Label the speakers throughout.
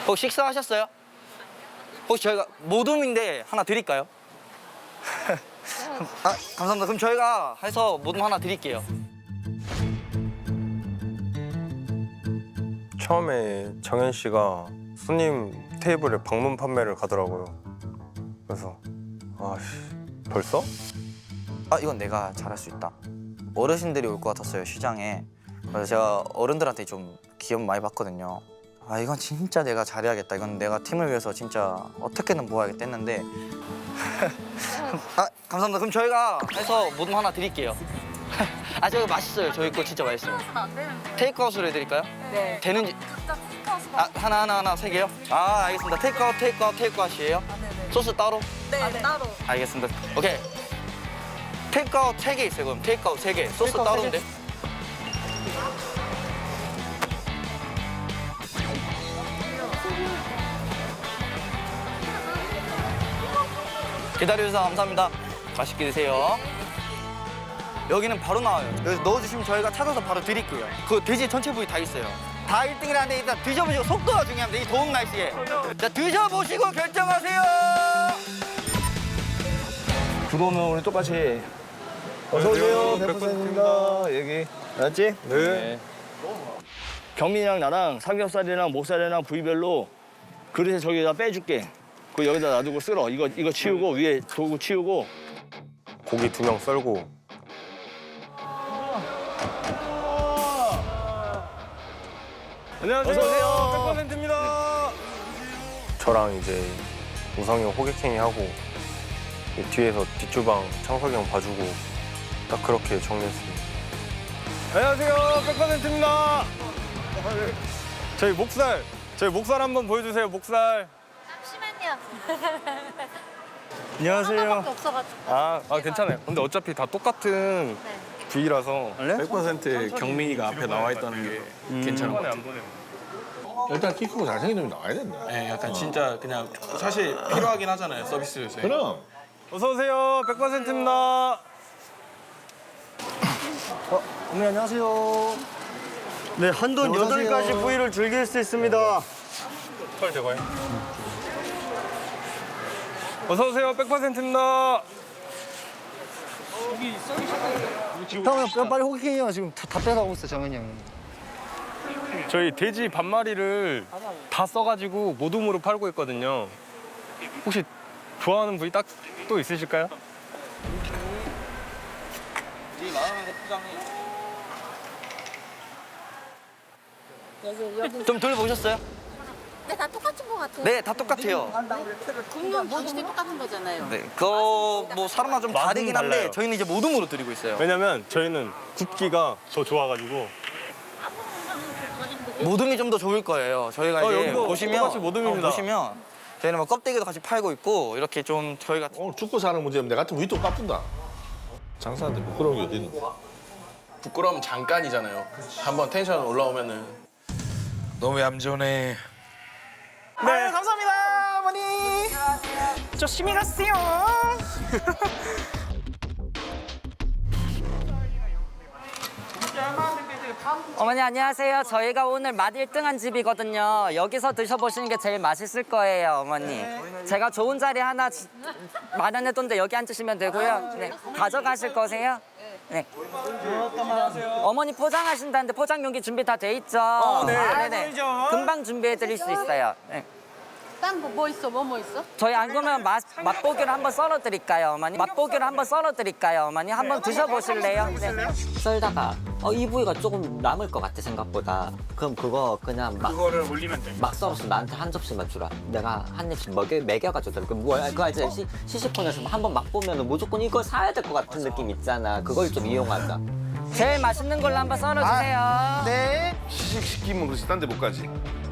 Speaker 1: 혹시 식사하셨어요? 혹시 저희가 모둠인데 하나 드릴까요? 아, 감사합니다. 그럼 저희가 해서 모둠 하나 드릴게요.
Speaker 2: 처음에 정현 씨가 손님 테이블에 방문 판매를 가더라고요. 그래서 아씨 벌써?
Speaker 1: 아, 이건 내가 잘할 수 있다. 어르신들이 올 것 같았어요, 시장에. 그래서 제가 어른들한테 좀 기업 많이 받거든요. 아, 이건 진짜 내가 잘해야겠다. 이건 내가 팀을 위해서 진짜 어떻게든 모아야겠다 했는데. 아, 감사합니다. 그럼 저희가 해서 모둠 하나 드릴게요. 아, 저거 맛있어요. 저희 거 진짜 맛있어요. 테이크아웃으로 해드릴까요?
Speaker 3: 네.
Speaker 1: 되는지.
Speaker 3: 각자 테이크아웃
Speaker 1: 아, 하나, 세 개요? 아, 알겠습니다. 테이크아웃이에요?
Speaker 3: 네네.
Speaker 1: 소스 따로?
Speaker 3: 네, 따로.
Speaker 1: 알겠습니다. 오케이. 테이크아웃 3개 있어요, 그럼. 테이크아웃 3개. 소스 따로인데? 기다려주셔서 감사합니다. 맛있게 드세요. 여기는 바로 나와요. 여기 넣어주시면 저희가 찾아서 바로 드릴게요. 그 돼지 전체 부위 다 있어요. 다 1등이라는데 일단 드셔보시고 속도가 중요합니다. 이 더운 날씨에. 자, 드셔보시고 결정하세요.
Speaker 4: 들어오면 우리 똑같이 어서 오세요. 100%입니다. 여기 알았지? 네. 경민이랑 나랑 삼겹살이랑 목살이랑 부위별로 그릇에 저기다 빼줄게. 그 여기다 놔두고 쓸어. 이거 치우고 위에 도구 치우고.
Speaker 2: 고기 2명 썰고
Speaker 4: 안녕하세요. 어서 오세요.
Speaker 2: 100%입니다. 저랑 이제 우성이 형 호객행위 하고 뒤에서 뒷주방 창석이 형 봐주고 딱 그렇게 정리했습니다. 안녕하세요. 100%입니다. 저희 목살 한번 보여주세요. 목살.
Speaker 3: 잠시만요.
Speaker 4: 안녕하세요.
Speaker 3: 하나밖에 없어가지고.
Speaker 2: 아 괜찮아요. 근데 어차피 다 똑같은
Speaker 3: 네.
Speaker 2: 부위라서
Speaker 5: 100% 경민이가 앞에 나와 있다는 게 괜찮은 것 같아요.
Speaker 6: 일단 키 크고 잘생긴 놈이 나와야 된다.
Speaker 5: 네, 약간 진짜 그냥 사실 필요하긴 하잖아요, 서비스 요새.
Speaker 6: 그럼.
Speaker 2: 어서 오세요. 100%입니다.
Speaker 4: 어머니 안녕하세요. 네, 한돈 8가지 부위를 즐길 수 있습니다.
Speaker 2: 털 제거해. 어서 오세요. 100%입니다.
Speaker 4: 형, 빨리 호객행위가 지금 다 빼가고 있어, 정현이 형이.
Speaker 2: 저희 돼지 반마리를 다 써가지고 모둠으로 팔고 있거든요. 혹시 좋아하는 부위 딱 또 있으실까요?
Speaker 1: 좀 돌보셨어요?
Speaker 3: 네, 다 똑같은 것 같아요.
Speaker 1: 네, 다 똑같아요.
Speaker 3: 국물 모시도 똑같은 거잖아요.
Speaker 1: 네, 그거 뭐 사람마다 좀
Speaker 2: 맛은
Speaker 1: 다르긴 한데
Speaker 2: 달라요.
Speaker 1: 저희는 이제 모둠으로 드리고 있어요.
Speaker 2: 왜냐면 저희는 굽기가 더 좋아가지고.
Speaker 1: 모둠이 좀 더 좋을 거예요. 저희가 이제
Speaker 2: 여기도
Speaker 1: 보시면
Speaker 2: 똑같이 모둠입니다.
Speaker 1: 보시면 저희는 뭐 껍데기도 같이 팔고 있고 이렇게 좀 저희가
Speaker 6: 오늘 죽고 사는 문제면 내 같으면 위도 까뿐다. 장사한테 부끄러운 게 어디 있는데.
Speaker 5: 부끄러움 잠깐이잖아요. 한번 텐션 올라오면은
Speaker 7: 너무 얌전해.
Speaker 1: 네, 감사합니다, 어머니. 조심히 가세요.
Speaker 8: 어머니 안녕하세요. 저희가 오늘 맛 1등한 집이거든요. 여기서 드셔보시는 게 제일 맛있을 거예요, 어머니. 제가 좋은 자리 하나 마련해뒀는데 여기 앉으시면 되고요. 네. 가져가실 거세요? 네. 어머니 포장하신다는데 포장 용기 준비 다 돼 있죠? 네네. 금방 준비해드릴 수 있어요. 네.
Speaker 3: 딴 거 뭐 있어? 뭐 있어?
Speaker 8: 저희 안 그러면 맛보기로 한번 썰어드릴까요, 어머니? 맛보기로 한번 썰어드릴까요, 어머니? 한번 드셔보실래요? 네.
Speaker 9: 썰다가 이 부위가 조금 남을 것 같아 생각보다. 그럼 그거 그냥 그거를 올리면 돼. 막 썰어서 나한테 한 접시만 주라. 내가 한 입씩 먹여가지고 그럼 그거 알지? 시식콘에서 한번 맛보면 무조건 이걸 사야 될 것 같은 느낌 있잖아. 그걸 좀 이용하자.
Speaker 8: 제일 맛있는 걸로 한번 썰어주세요.
Speaker 1: 네.
Speaker 6: 시식시키면 그렇지 딴 데 못 가지.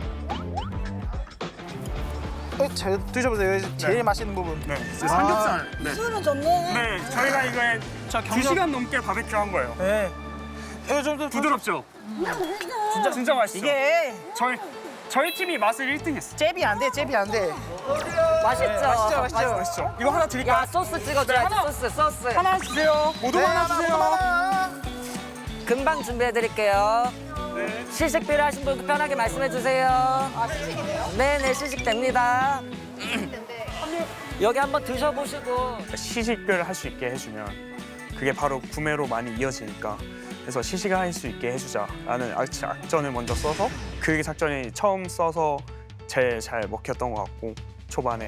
Speaker 1: 잘 드셔보세요. 제일 맛있는 부분.
Speaker 10: 네, 삼겹살. 네.
Speaker 3: 술은 좋네.
Speaker 10: 네, 저희가 이거에 2시간 넘게 바베큐 한 거예요.
Speaker 1: 네. 이거 좀
Speaker 10: 부드럽죠? 진짜 맛있죠?
Speaker 1: 이게
Speaker 10: 저희 팀이 맛을 1등했어.
Speaker 1: 잽이 안 돼, 잽이 안 돼.
Speaker 8: 맛있죠?
Speaker 10: 맛있죠? 이거 하나 드릴까요?
Speaker 8: 야, 소스 찍어줘야지, 소스.
Speaker 10: 하나 주세요. 모두 하나 주세요.
Speaker 8: 금방 준비해드릴게요. 시식 필요하신 분 편하게 말씀해 주세요.
Speaker 3: 아, 시식이네요?
Speaker 8: 네네, 시식 됩니다. 여기 한번 드셔보시고.
Speaker 10: 시식을 할 수 있게 해주면 그게 바로 구매로 많이 이어지니까 그래서 시식을 할 수 있게 해주자라는 작전을 먼저 써서 그 작전이 처음 써서 제일 잘 먹혔던 것 같고 초반에.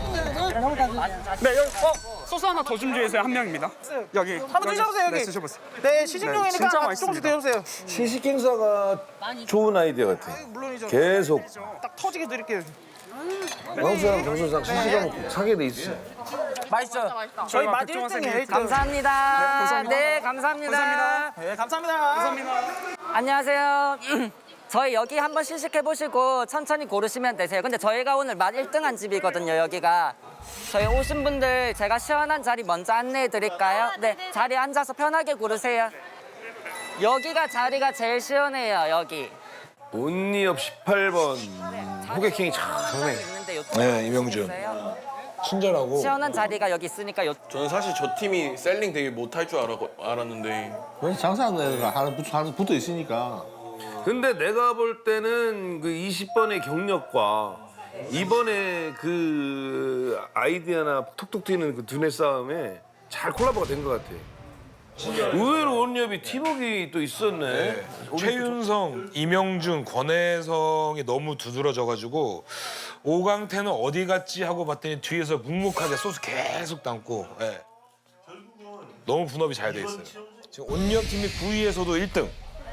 Speaker 10: 네, 여기 소스 하나 더 준비해서 한 명입니다. 여기
Speaker 1: 한번 드셔보세요, 여기.
Speaker 10: 네, 드셔보세요.
Speaker 1: 네, 시식용이니까
Speaker 10: 진짜
Speaker 1: 조금씩
Speaker 10: 맛있습니다.
Speaker 1: 드셔보세요.
Speaker 6: 시식 행사가 좋은 아이디어 같아.
Speaker 1: 물론이죠.
Speaker 6: 계속
Speaker 1: 딱 터지게 드릴게요.
Speaker 6: 광수랑 정수랑 시식하면 꼭 사게 돼 있어.
Speaker 1: 맛있죠? 저희 맛 1등이에요, 1등.
Speaker 8: 감사합니다.
Speaker 10: 감사합니다.
Speaker 8: 네, 감사합니다.
Speaker 1: 네, 감사합니다.
Speaker 8: 안녕하세요. 저희 여기 한번 시식해보시고 천천히 고르시면 되세요. 근데 저희가 오늘 맛 1등한 집이거든요, 여기가. 저희 오신 분들 제가 시원한 자리 먼저 안내해 드릴까요? 네, 자리에 앉아서 편하게 고르세요. 여기가 자리가 제일 시원해요, 여기.
Speaker 6: 온리업 18번 호객행위 참
Speaker 8: 네. 있는데
Speaker 5: 네, 이명준. 친절하고.
Speaker 8: 시원한 자리가 여기 있으니까
Speaker 5: 저는 사실 저 팀이 셀링 되게 못할 줄 알았는데
Speaker 6: 왜 장사하는 애가 하나 붙어 있으니까. 근데 내가 볼 때는 그 20번의 경력과 이번에 그 아이디어나 톡톡 튀는 그 두뇌 싸움에 잘 콜라보가 된 것 같아. 의외로 온리업이 팀워크가 또 있었네.
Speaker 7: 최윤성, 이명준, 권혜성이 너무 두드러져가지고 오강태는 어디 갔지 하고 봤더니 뒤에서 묵묵하게 소스 계속 담고 예. 너무 분업이 잘 돼 있어요. 지금 온리업 팀이 9위에서도 1등.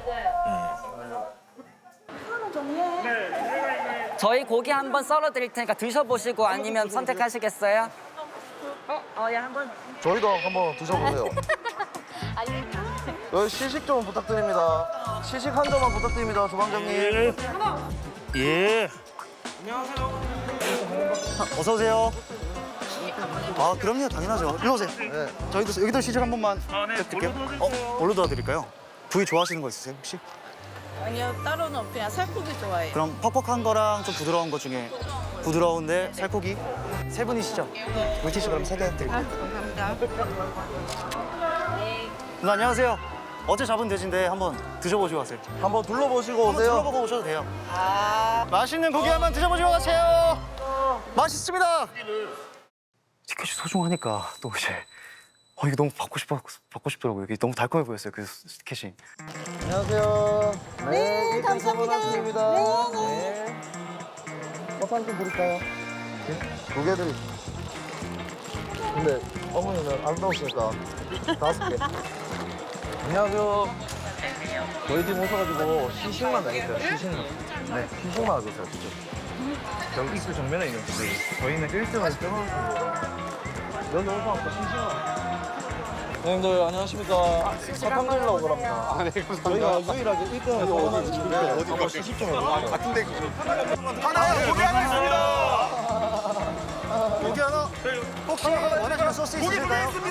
Speaker 8: 저희 고기 한번 썰어 드릴 테니까 드셔보시고 아니면 선택하시겠어요?
Speaker 4: 저희도 한번 드셔보세요. 여기 시식 좀 부탁드립니다. 시식 한 점만 부탁드립니다, 조방장님.
Speaker 1: 예. 어서 오세요. 아, 그럼요, 당연하죠. 일로 오세요. 네. 저희도 여기도 시식 한 번만 부탁드릴게요. 뭘로 도와드릴까요? 부위 좋아하시는 거 있으세요, 혹시?
Speaker 3: 아니요, 따로는 없고 그냥 살코기 좋아해요.
Speaker 1: 그럼 퍽퍽한 거랑 좀 부드러운 거 중에 부드러운데 살코기 세 분이시죠? 물티슈 그럼 세 개 드릴게요.
Speaker 3: 감사합니다.
Speaker 1: 누나 안녕하세요. 어제 잡은 돼지인데 한번 드셔보시고 가세요.
Speaker 4: 한번 둘러보시고
Speaker 1: 한번
Speaker 4: 오세요.
Speaker 1: 둘러보고 오셔도 돼요. 맛있는 고기 한번 드셔보시고 가세요. 맛있습니다. 티켓이 소중하니까 또 이제 이게 너무 받고 싶더라고요. 이게 너무 달콤해 보였어요. 그 티켓이.
Speaker 4: 안녕하세요. 네, 감사합니다. 네. 커피 좀 부를까요? 네? 2개 드릴게요. 근데 어머니는 아름다우시니까 5개. 안녕하세요. 저희 팀 오셔가지고 시식만 나겠어요. 시식만. 네, 시식만 하세요, 진짜. 여기 입구 정면에 있는 분들 저희는 1등을 끊어서 여기 오셔서 시식만. 형님들 안녕하십니까. 사탕 드리려고 그럽니다. 네, 저희가 유일하게 1등을 어디 있는데 어디 시식 좀 해볼게요. 같은 데 하나요. 고기 하나 있습니다. 고기 하나. 혹시 원하시는 소스 있으실까요? 고기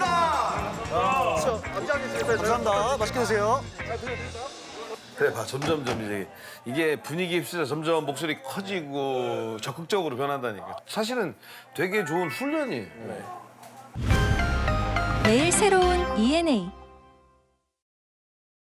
Speaker 4: 있습니다. 감사합니다. 맛있게 드세요.
Speaker 6: 그래 봐 점점점 이게 분위기 휩쓸려 점점 목소리 커지고 적극적으로 변한다니까. 사실은 되게 좋은 훈련이에요.
Speaker 11: 매일 새로운 ENA